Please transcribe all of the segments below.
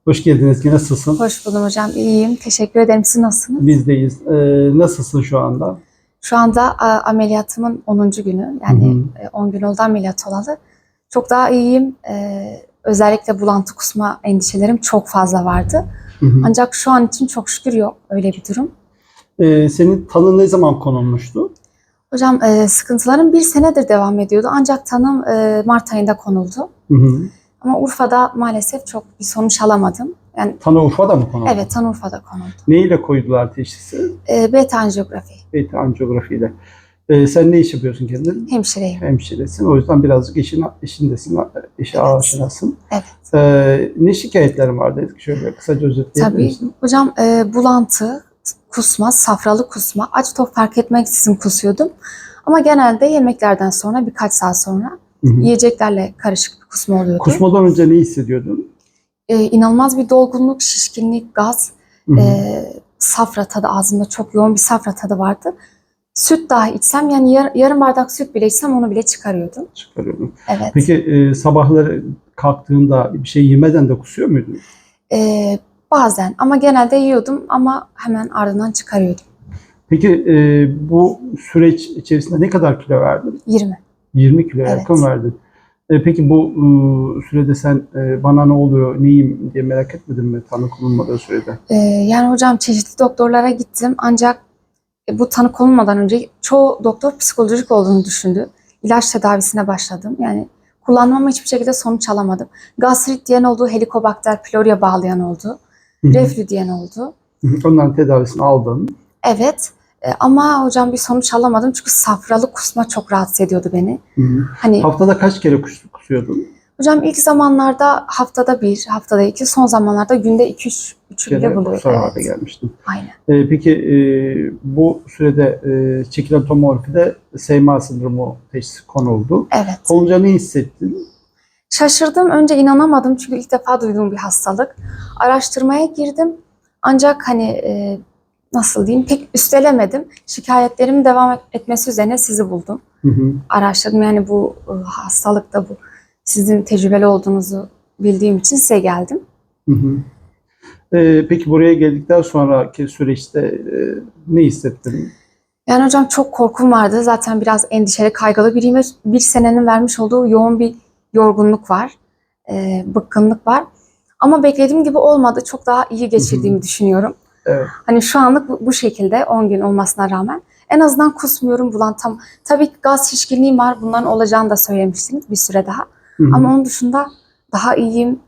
Hoş geldiniz. Nasılsın? Hoş buldum hocam. İyiyim. Teşekkür ederim. Siz nasılsınız? Bizdeyiz. Nasılsın şu anda? Şu anda ameliyatımın 10. günü. Hı Yani hı. 10 gün oldu ameliyat olalı. Çok daha iyiyim. Özellikle bulantı kusma endişelerim çok fazla vardı. Hı hı. Ancak şu an için çok şükür yok öyle bir durum. Senin tanın ne zaman konulmuştu? Hocam sıkıntılarım bir senedir devam ediyordu. Ancak tanım Mart ayında konuldu. Hı hı. Ama Urfa'da maalesef çok bir sonuç alamadım. Yani Tanı Urfa'da mı konuldu? evet, tanı Urfa'da konuldu. Ne ile koydular teşhisi? Beta anjiyografi. Beta anjiyografiyle. Sen ne iş yapıyorsun kendin? Hemşireyim. Hemşiresin. O yüzden birazcık işindesin, işe Evet. aşinasın. Evet. Ne şikayetlerin vardı? Şöyle kısaca özetleyebilir Tabii. misin? Hocam bulantı, kusma, safralı kusma, aç tok fark etmeksizin kusuyordum. Ama genelde yemeklerden sonra birkaç saat sonra Hı hı. yiyeceklerle karışık bir kusma oluyordu. Kusmadan önce ne hissediyordun? İnanılmaz bir dolgunluk, şişkinlik, gaz, Hı hı. safra tadı, ağzımda çok yoğun bir safra tadı vardı. Süt dahi içsem, yani yarım bardak süt bile içsem onu bile çıkarıyordum. Çıkarıyordum. Evet. Peki sabahları kalktığında bir şey yemeden de kusuyor muydun? Bazen, ama genelde yiyordum ama hemen ardından çıkarıyordum. Peki bu süreç içerisinde ne kadar kilo verdin? 20. 20 kilo Evet. yakın verdin. Peki bu sürede sen bana ne oluyor, neyim diye merak etmedin mi tanı konulmadığı sürede? Yani hocam çeşitli doktorlara gittim ancak bu tanı konulmadan önce çoğu doktor psikolojik olduğunu düşündü. İlaç tedavisine başladım. Yani kullanmama hiçbir şekilde sonuç alamadım. Gastrit diyen oldu, Helicobacter pylori'ye bağlayan oldu, Hı hı. reflü diyen oldu. Hı hı. Onların tedavisini aldın. Evet, ama hocam bir sonuç alamadım çünkü safralı kusma çok rahatsız ediyordu beni. Hı hı. Hani Haftada kaç kere kusuyordun? hocam ilk zamanlarda haftada bir, haftada iki, son zamanlarda günde 2-3 bile Kere buluyordu. kusar hale Evet, gelmiştin. aynen. Peki bu sürede çekilen tomografide SMA sendromu teşhisi konuldu. Evet. Olunca ne hissettin? Şaşırdım. Önce inanamadım çünkü ilk defa duyduğum bir hastalık. Araştırmaya girdim. Ancak hani nasıl diyeyim, pek üstelemedim. Şikayetlerimin devam etmesi üzerine sizi buldum. Hı hı. Araştırdım, yani bu hastalıkta bu sizin tecrübeli olduğunuzu bildiğim için size geldim. Hı hı. Peki buraya geldikten sonraki süreçte ne hissettin? Yani hocam çok korkum vardı. Zaten biraz endişeli, kaygılı biriyim ve bir senenin vermiş olduğu yoğun bir yorgunluk var. Bıkkınlık var. Ama beklediğim gibi olmadı. Çok daha iyi geçirdiğimi düşünüyorum. Evet. Hani şu anlık bu şekilde 10 gün olmasına rağmen en azından kusmuyorum, bulantam. Tabii ki gaz şişkinliğim var. Bunların olacağını da söylemiştiniz bir süre daha. Hı hı. Ama onun dışında daha iyiyim.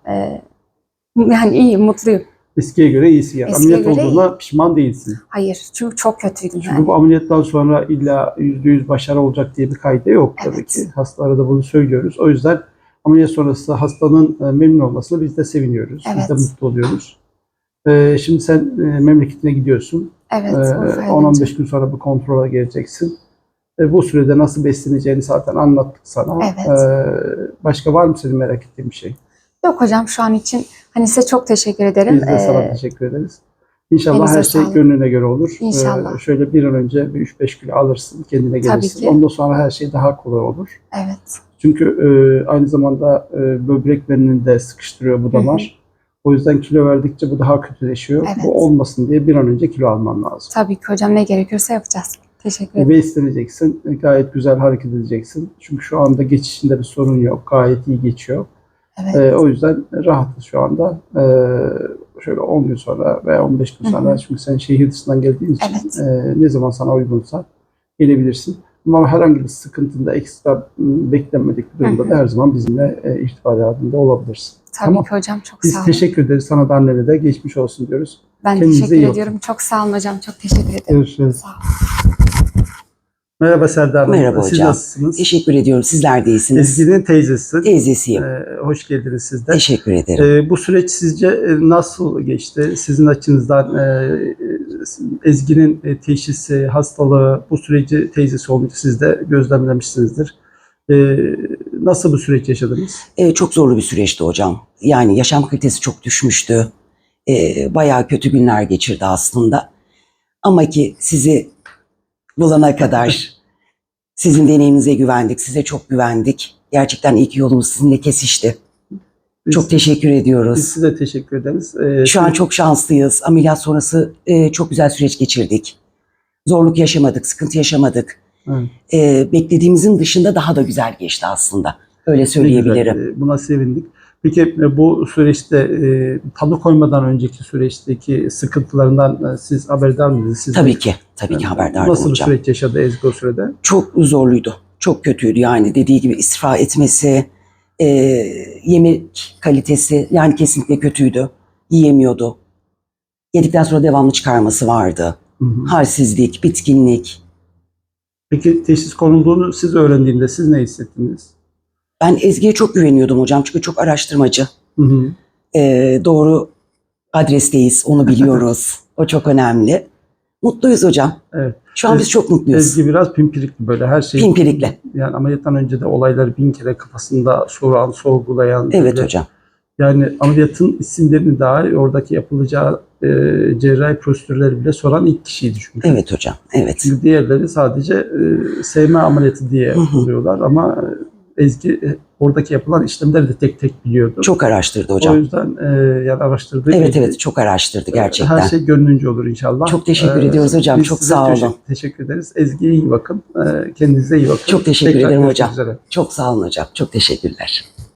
Yani iyiyim, mutluyum. Eskiye göre iyisin yani. Eskiye Ameliyat göre olduğuna pişman değilsin. Hayır, çünkü çok kötüydüm Çünkü yani. bu ameliyattan sonra illa %100 başarı olacak diye bir kaide yok tabii Evet. ki. Hastalara da bunu söylüyoruz. O yüzden ameliyat sonrası hastanın memnun olmasına biz de seviniyoruz. Biz de Evet. mutlu oluyoruz. Şimdi sen memleketine gidiyorsun. Evet, Urfa'ya 10-15 döneceğim. gün sonra bu kontrola geleceksin. Bu sürede nasıl besleneceğini zaten anlattık sana. Evet. Başka var mı senin merak ettiğin bir şey? Yok hocam, şu an için hani size çok teşekkür ederim. Biz de sana teşekkür ederiz. İnşallah elinize her şey sağlık. gönlüne göre olur. İnşallah. Şöyle bir an önce bir 3-5 kilo alırsın, kendine Tabii gelirsin. ki. Ondan sonra her şey daha kolay olur. Evet. Çünkü aynı zamanda böbreklerini de sıkıştırıyor bu damar. O yüzden kilo verdikçe bu daha kötüleşiyor. Evet. Bu olmasın diye bir an önce kilo alman lazım. Tabii ki hocam, ne gerekiyorsa yapacağız. Teşekkür ederim. Besleneceksin, gayet güzel hareket edeceksin. Çünkü şu anda geçişinde bir sorun yok, gayet iyi geçiyor. Evet. O yüzden rahatız şu anda. Şöyle 10 gün sonra veya 15 gün sonra, çünkü sen şehir dışından geldiğin için ne zaman sana uygunsa gelebilirsin. Ama herhangi bir sıkıntında, ekstra beklenmedik bir durumda da her zaman bizimle irtibat halinde olabilirsin. Tabii Tamam. ki hocam, çok Biz sağ olun. teşekkür ederiz. Sana da annene de geçmiş olsun diyoruz. Ben Kendinize teşekkür iyi bakın. ediyorum. Çok sağ olun hocam. Çok teşekkür ederim. Görüşürüz. Sağ olun. Merhaba Serdar Hanım. Merhaba Siz hocam. nasılsınız? Teşekkür ediyorum. Sizler de iyisiniz. Ezgi'nin teyzesi. Teyzesiyim. Hoş geldiniz siz de. Teşekkür ederim. Bu süreç sizce nasıl geçti? Sizin açınızdan Ezgi'nin teşhisi, hastalığı, bu süreci teyzesi olunca siz de gözlemlemişsinizdir. Nasıl bu süreç yaşadınız? Çok zorlu bir süreçti hocam. Yani yaşam kalitesi çok düşmüştü. Bayağı kötü günler geçirdi aslında. Ama ki sizi bulana kadar sizin deneyiminize güvendik. Size çok güvendik. Gerçekten iyi ki yolumuz sizinle kesişti. Çok teşekkür Biz ediyoruz. size teşekkür ederiz. Şu an çok şanslıyız. Ameliyat sonrası çok güzel süreç geçirdik. Zorluk yaşamadık, sıkıntı yaşamadık. Beklediğimizin dışında daha da güzel geçti aslında. Öyle söyleyebilirim. Ne güzel, buna sevindik. Peki bu süreçte tanı koymadan önceki süreçteki sıkıntılarından siz haberdar mıydınız? Siz Tabii ki haberdardım Nasıl bir hocam. süreç yaşadı Ezgi o sürede? Çok zorluydu. Çok kötüydü yani dediği gibi istifa etmesi, yemek kalitesi yani kesinlikle kötüydü. Yiyemiyordu. Yedikten sonra devamlı çıkarması vardı. Halsizlik, bitkinlik. Peki teşhis konulduğunu siz öğrendiğinde siz ne hissettiniz? Ben Ezgi'ye çok güveniyordum hocam çünkü çok araştırmacı. Doğru adresteyiz, onu biliyoruz. O çok önemli. Mutluyuz hocam. Evet. Şu an biz çok mutluyuz. Ezgi biraz pimpirikli böyle her şey. Pimpirikli. Yani ameliyattan önce de olayları 1000 kere kafasında soran, sorgulayan. Evet böyle, hocam. Yani ameliyatın isimlerini dahi oradaki yapılacağı cerrahi prosedürleri bile soran ilk kişiydi çünkü. Evet hocam. Evet. Çünkü diğerleri sadece sevme ameliyatı diye buluyorlar ama Ezgi oradaki yapılan işlemleri de tek tek biliyordu. Çok araştırdı O hocam. yüzden yani araştırdığı Evet çok araştırdı gerçekten. her şey gönlünce olur inşallah. Çok teşekkür ediyoruz hocam. Biz Çok size sağ olun. Teşekkür ederiz. Ezgi'ye iyi bakın. Kendinize iyi bakın. Çok teşekkür Tekrar ederim görüşmek hocam. üzere. Çok sağ olun hocam. Çok teşekkürler.